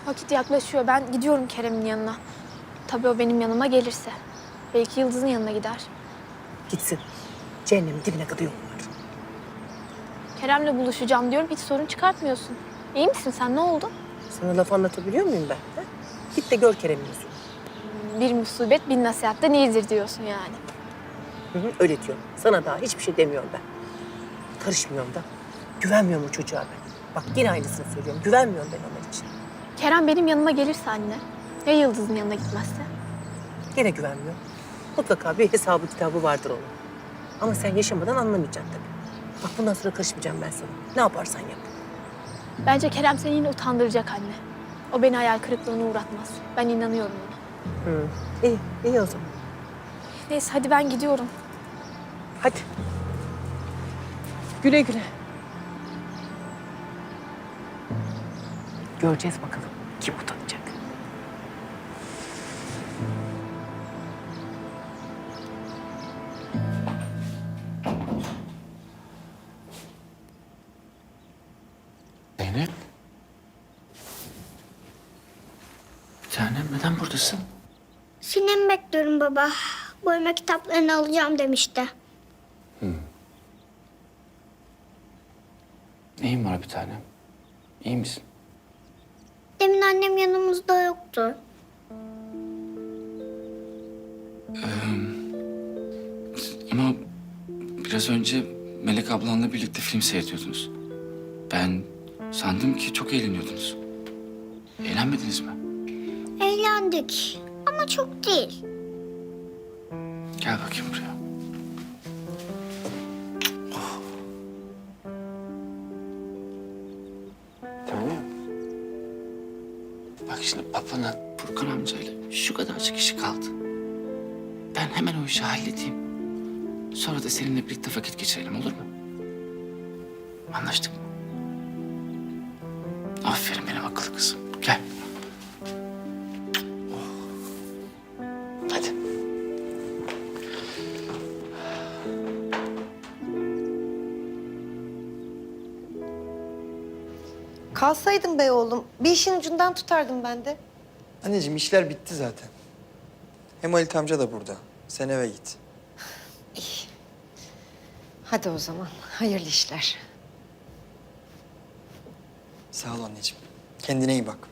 Vakit yaklaşıyor. Ben gidiyorum Kerem'in yanına. Tabii o benim yanıma gelirse. Belki Yıldız'ın yanına gider. Gitsin. Cehennemin dibine kadar yol var. Kerem'le buluşacağım diyorum. Hiç sorun çıkartmıyorsun. İyi misin sen? Ne oldu? Sana laf anlatabiliyor muyum ben? Ha? Git de gör Kerem'in yüzünü. Bir musibet bin nasihatten iyidir diyorsun yani. Hı hı, öyle diyorum. Sana daha hiçbir şey demiyorum ben. Karışmıyorum da. Güvenmiyorum o çocuğa ben. Bak yine aynısını söylüyorum. Güvenmiyorum ben ona hiç. Kerem benim yanıma gelirse anne. Ya Yıldız'ın yanına gitmezse? Gene güvenmiyorum. Mutlaka bir hesabı kitabı vardır onun. Ama sen yaşamadan anlamayacaksın tabii. Bak bundan sonra karışmayacağım ben sana. Ne yaparsan yap. Bence Kerem seni yine utandıracak anne. O beni hayal kırıklığına uğratmaz. Ben inanıyorum ona. Hı. İyi, iyi o zaman. Neyse hadi ben gidiyorum. Hadi. Güle güle. Göreceğiz bakalım kim utanacak. Zeynep. Bir tanem neden buradasın? Sinem bekliyorum baba. Boyama kitaplarını alacağım demişti. Neyin var bir tanem? İyi misin? Demin annem yanımızda yoktu. Ama biraz önce Melek ablanla birlikte film seyrediyordunuz. Ben sandım ki çok eğleniyordunuz. Eğlenmediniz mi? Eğlendik ama çok değil. Gel bakayım buraya. Oh. Tanem. Bak şimdi babana Furkan amcayla şu kadarcık işi kaldı. Ben hemen o işi halledeyim. Sonra da seninle birlikte vakit geçirelim, olur mu? Anlaştık mı? Aferin benim akıllı kızım. Gel. Oh. Hadi. Kalsaydın be oğlum. Bir işin ucundan tutardım ben de. Anneciğim işler bitti zaten. Hem Halit amca da burada. Sen eve git. Hadi o zaman. Hayırlı işler. Sağ ol anneciğim. Kendine iyi bak.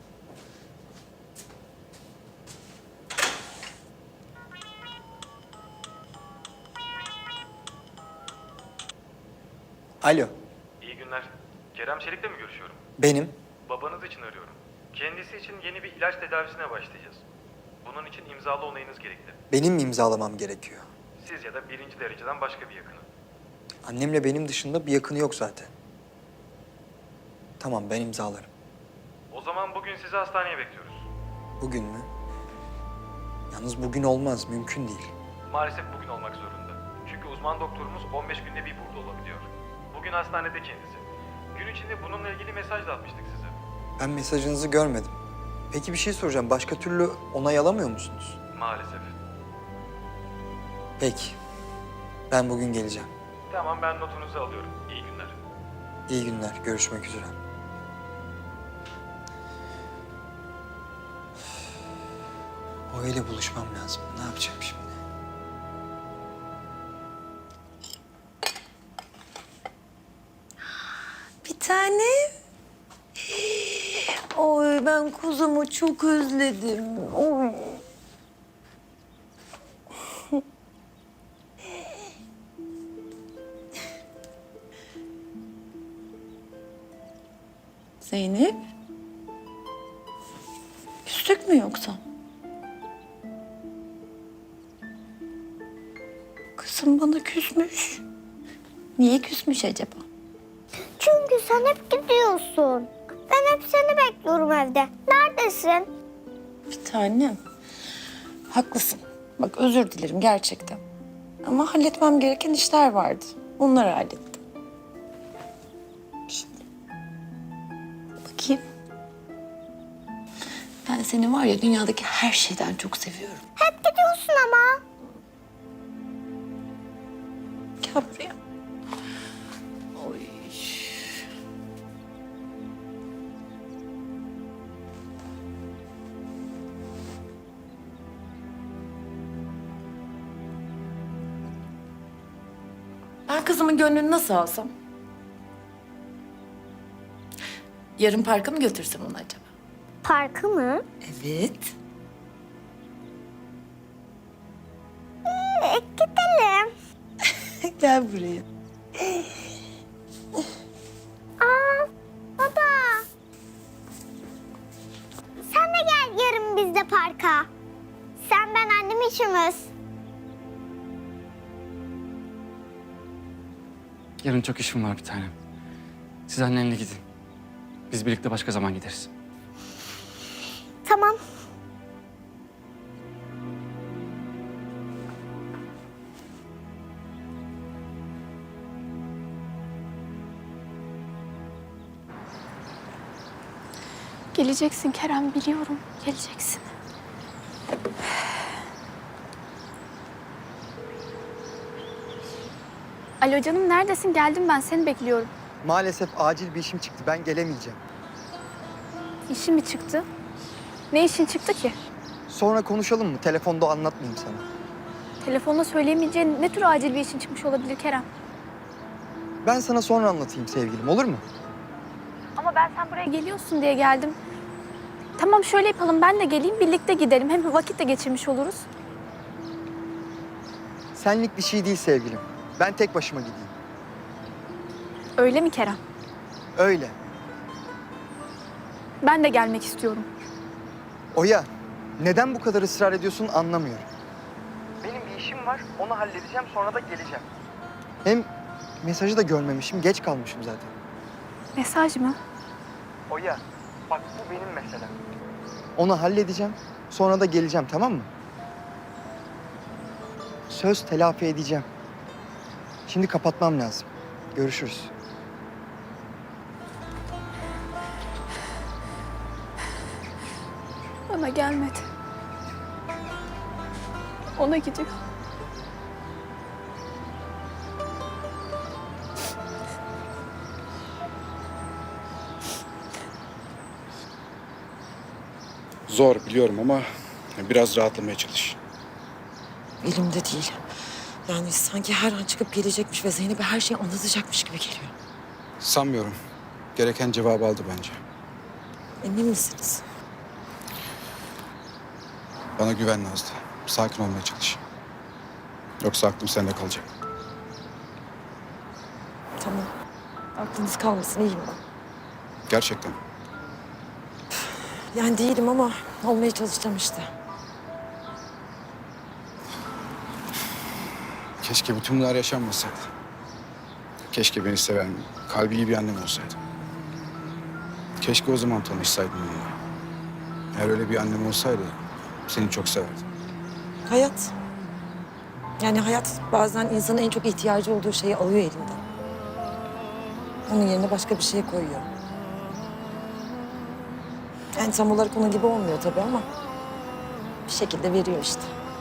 Alo, İyi günler. Kerem Çelik'le mi görüşüyorum? benim. Babanız için arıyorum. Kendisi için yeni bir ilaç tedavisine başlayacağız. Bunun için imzalı onayınız gerekli. Benim mi imzalamam gerekiyor? Siz ya da birinci dereceden başka bir yakını. Annemle benim dışında bir yakını yok zaten. Tamam, ben imzalarım. O zaman bugün sizi hastaneye bekliyoruz. Bugün mü? Yalnız bugün olmaz, mümkün değil. Maalesef bugün olmak zorunda. Çünkü uzman doktorumuz 15 günde bir burada olabiliyor. Bugün hastanede kendisi. Gün içinde bununla ilgili mesaj da atmıştık size. Ben mesajınızı görmedim. Peki bir şey soracağım, başka türlü onay alamıyor musunuz? Maalesef. Peki, ben bugün geleceğim. Tamam, ben notunuzu alıyorum. İyi günler. İyi günler, görüşmek üzere. O ile buluşmam lazım. Ne yapacağım şimdi? Bir tane. Oy ben kuzumu çok özledim. Oy. Zeynep. Küstük mü yoksa? Kızım bana küsmüş. Niye küsmüş acaba? Çünkü sen hep gidiyorsun. Ben hep seni bekliyorum evde. Neredesin? Bir tanem. Haklısın. Bak özür dilerim gerçekten. Ama halletmem gereken işler vardı. Onları hallettim. Şimdi. Bakayım. Ben seni var ya dünyadaki her şeyden çok seviyorum. Hep gidiyorsun ama. Gel buraya. Oy. Ben kızımın gönlünü nasıl alsam? Yarın parka mı götürsem onu acaba? Parkı mı? Evet. Gidelim. Gel buraya. Baba. Sen de gel yarın biz de parka. Sen ben annem üçümüz. Yarın çok işim var bir tanem. Siz annenle gidin. Biz birlikte başka zaman gideriz. Tamam. Geleceksin Kerem, biliyorum. Geleceksin. Alo canım, neredesin? Geldim ben, seni bekliyorum. Maalesef acil bir işim çıktı. Ben gelemeyeceğim. İşin mi çıktı? Ne işin çıktı ki? Sonra konuşalım mı? Telefonda anlatmayayım sana. Telefonda söyleyemeyeceğin ne tür acil bir işin çıkmış olabilir Kerem? Ben sana sonra anlatayım sevgilim, olur mu? Ama ben sen buraya geliyorsun diye geldim. Tamam, şöyle yapalım, ben de geleyim, birlikte gidelim. Hem vakit de geçirmiş oluruz. Senlik bir şey değil sevgilim. Ben tek başıma gideyim. Öyle mi Kerem? Öyle. Ben de gelmek istiyorum. Oya, neden bu kadar ısrar ediyorsun anlamıyorum. Benim bir işim var, onu halledeceğim, sonra da geleceğim. Hem mesajı da görmemişim, geç kalmışım zaten. Mesaj mı? Oya, bak bu benim meselem. Onu halledeceğim, sonra da geleceğim, tamam mı? Söz telafi edeceğim. Şimdi kapatmam lazım. Görüşürüz. Bana gelmedi. Ona gidiyor. Zor biliyorum ama biraz rahatlamaya çalış. Elimde değil. Yani sanki her an çıkıp gelecekmiş ve Zeynep'e her şeyi anlatacakmış gibi geliyor. Sanmıyorum. Gereken cevabı aldı bence. Emin misiniz? Bana güven Nazlı. Sakin olmaya çalış. Yoksa aklım sende kalacak. Tamam. Aklınız kalmasın, iyiyim ben. Gerçekten. Yani değilim ama olmaya çalışacağım işte. Keşke bütün bunlar yaşanmasaydı. Keşke beni seven, kalbi iyi bir annem olsaydı. Keşke o zaman tanışsaydım onunla. Eğer öyle bir annem olsaydı seni çok severdim. Hayat. Yani hayat bazen insanın en çok ihtiyacı olduğu şeyi alıyor elinden. Onun yerine başka bir şey koyuyor. Yani tam olarak onun gibi olmuyor tabii ama bir şekilde veriyor işte.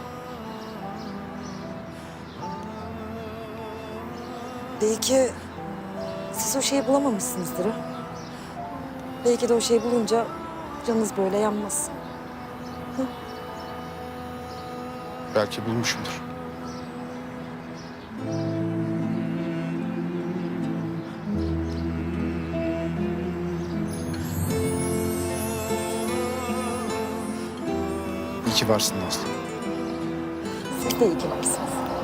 Belki siz o şeyi bulamamışsınızdır ha. Belki de o şeyi bulunca canınız böyle yanmaz. Belki bulmuşumdur. İyi ki varsın Nazlı. Siz de iyi ki varsınız.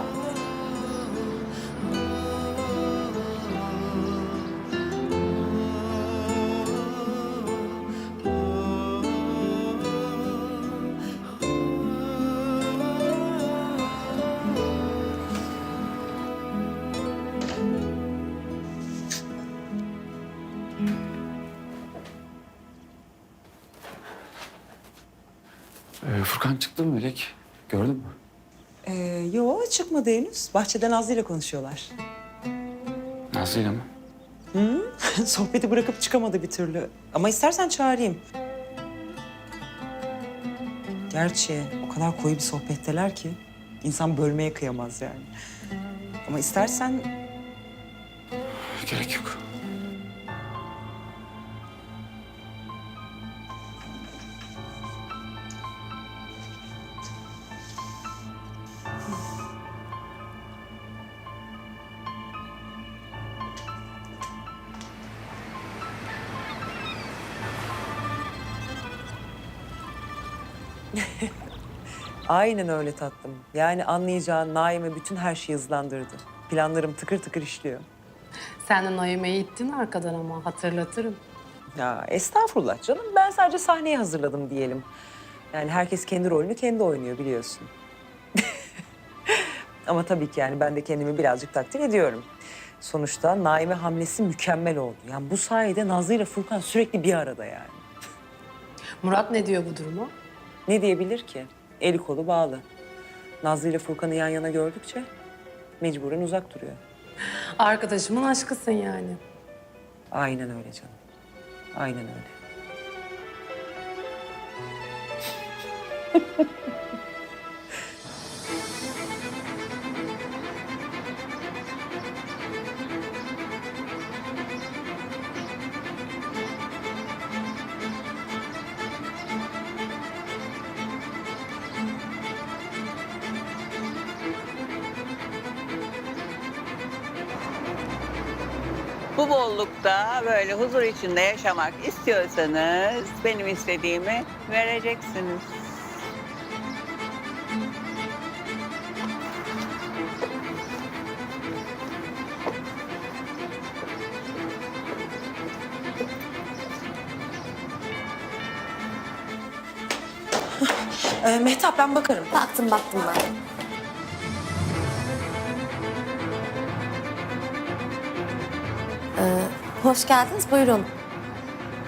Furkan çıktı mı Melek? Gördün mü? Yo çıkmadı henüz. Bahçede Nazlı ile konuşuyorlar. Nazlı'yla mı? Sohbeti bırakıp çıkamadı bir türlü. Ama istersen çağırayım. Gerçi o kadar koyu bir sohbetteler ki insan bölmeye kıyamaz yani. Ama istersen Gerek yok. Aynen öyle tatlım. Yani anlayacağın Naime bütün her şeyi hızlandırdı. Planlarım tıkır tıkır işliyor. Sen de Naime'yi ittin arkadan ama hatırlatırım. Ya estağfurullah canım. Ben sadece sahneyi hazırladım diyelim. Yani herkes kendi rolünü kendi oynuyor biliyorsun. Ama tabii ki yani ben de kendimi birazcık takdir ediyorum. Sonuçta Naime hamlesi mükemmel oldu. Yani bu sayede Nazlı ile Furkan sürekli bir arada yani. Murat ne diyor bu duruma? Ne diyebilir ki? Eli kolu bağlı. Nazlı ile Furkan'ı yan yana gördükçe mecburen uzak duruyor. Arkadaşımın aşkısın yani. Aynen öyle canım. Aynen öyle. Bu bollukta böyle huzur içinde yaşamak istiyorsanız benim istediğimi vereceksiniz. Mehtap ben bakarım. Baktım ben. Hoş geldiniz, buyurun.